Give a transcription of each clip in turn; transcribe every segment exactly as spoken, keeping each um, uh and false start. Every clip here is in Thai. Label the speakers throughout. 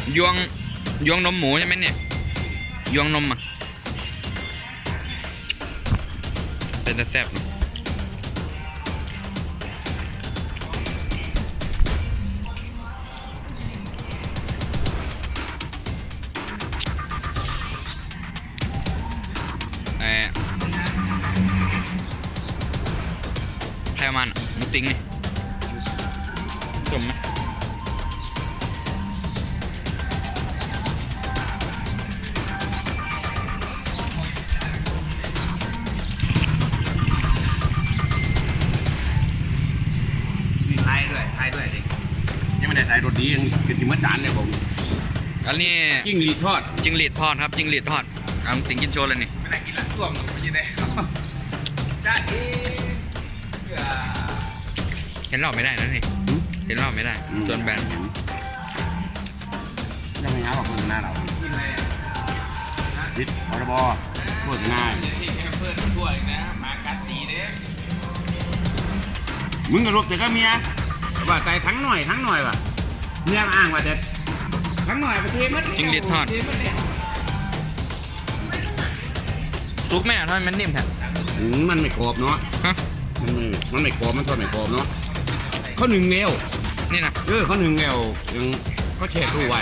Speaker 1: ยวงยวงนมหมูใช่ไหมเนี่ยยวงนมอ่ะเป็นแต่แซ่บเออใครเอามันมุติ้งนี่จมไหม
Speaker 2: ไทยด้วยไทยด้วยดิยังไม่ได้ใส่รสดียังกินที่เมื่อจานเลยผม
Speaker 1: อันนี้
Speaker 2: จิ้งหรีดทอด
Speaker 1: จิ้งหรีดทอดครับจิ้งหรีดทอดเอาติงกินโชว์เลยนี่
Speaker 2: ไม่ได้กินละตัวมันไม่ได้จ้าเอ๋
Speaker 1: เห็นรอบไม่ได้นะนี่เห็นรอบไม่ได้จนแบน
Speaker 2: ยังไม่หาบอกคนหน้าเราพิษพรบพูดง่ายเพื่อนช่วยนะมากัดสีเด้มึงกับลูกแต่ก็เมียว่าใจทั้งหน่อยทั้งหน่อยว่ะเมียอ้างว่าเด็ดทั้งหน่อยไปเทมัด
Speaker 1: จิ้งหรีดทอดซุปแม่ทำไมมันนิ่มแท้
Speaker 2: มันไม่กรอบเนาะมันไม่มันไม่กรอบมันทอดไม่กรอบเนาะเขาหนึ่งเร็ว
Speaker 1: นี่นะ
Speaker 2: เออเขาหนึ่งเร็วยังเขาเช็ดตู้ไว้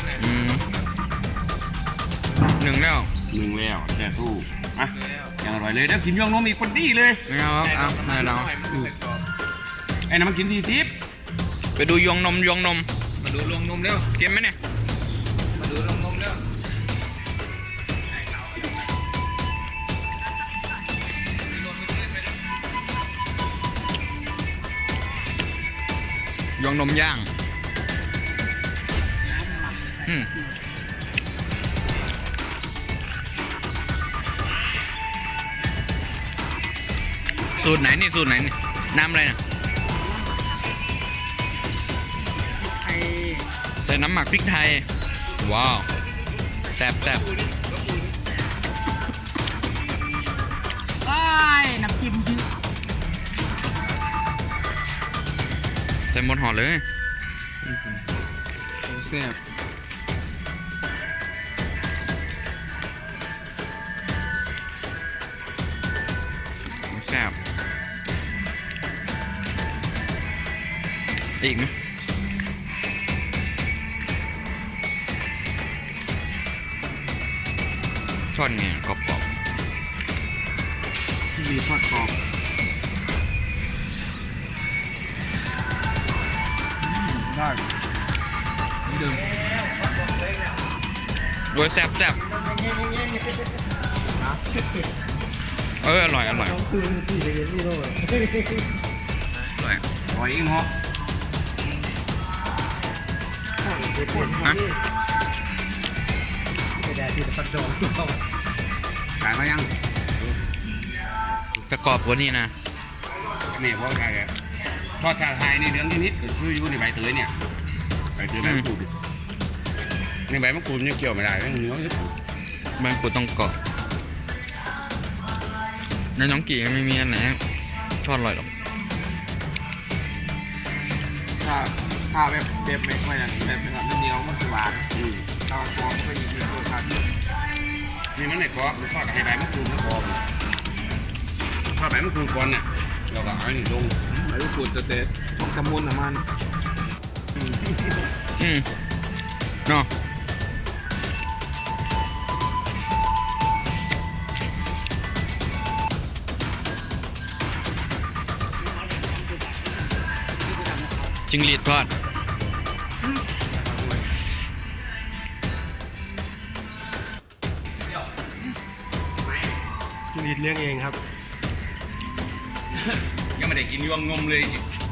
Speaker 1: หนึ่งแล้ว
Speaker 2: หนึ่งแล้วเช็ดตู้อ่ะอย่างอร่อยเลยเดี๋ยวกินย่องนมอีกคนดีเลย
Speaker 1: ไม่เอาเอาไม่เอา
Speaker 2: ไอ้น้ำมันกินทีทิพย์
Speaker 1: ไปดูยองนมยองนม
Speaker 2: มาดูยองนมเร็ว
Speaker 1: เก็บไหมเนี่ย
Speaker 2: มาดูยองนมเร็ว
Speaker 1: ยองนมย่างอืมสูตรไหนนี่สูตรไหนนี่น้ำอะไรนะใส่น้ำหมักพริกไทยว้าวแซ่บแซ่บ
Speaker 3: ไอ้น้ำจิ้มยืด
Speaker 1: ใส่หมดห่อเลย
Speaker 2: แซ่บ
Speaker 1: แซ่บอีกไหมทอดไงกรอบ
Speaker 2: ๆมีทอดกรอบได้เดิม
Speaker 1: โดยแซ่บแซ่บเอออร่อยอร่อยอร่อย
Speaker 2: อร่อยอีกเหรอ
Speaker 1: ฮะ
Speaker 2: ขายมายัง
Speaker 1: ประกอบกว่านี้นะ
Speaker 2: นี่เพราะอะไรทอดชาไทยนี่เรื่องนิดๆก็ซื้ออยู่ในใบเตยเนี่ยใบเตยใบมะกรูดนี่ใบมะกรูดนี่เกี่ยวไม่ได้เรื่องเนื้อ
Speaker 1: ใบมะกรูดต้องเกาะในน้องกี่ไม่มีอันไหนทอดอร่อยหรอก
Speaker 2: ถ้าถ้าแบบแบบไม่ค่อยแบบแบบแบบเดียวมันจะหวานถ้าฟองก็ยิ่งตัวขาดนี่มันไหนกรอบหรือทอดกับใบมะกรูดแล้วกรอบทอดใบมะกรูดก่อนเนี่ยเราก็เอาหนึ่งลงใบมะกรูดจะเตะของตะมุนอะมัน
Speaker 1: อืมเนาะจิ้งหรีดทอด
Speaker 2: จิ้งหรีดเลี้ยงเองครับยังไม่ได้กินยวงงมเลย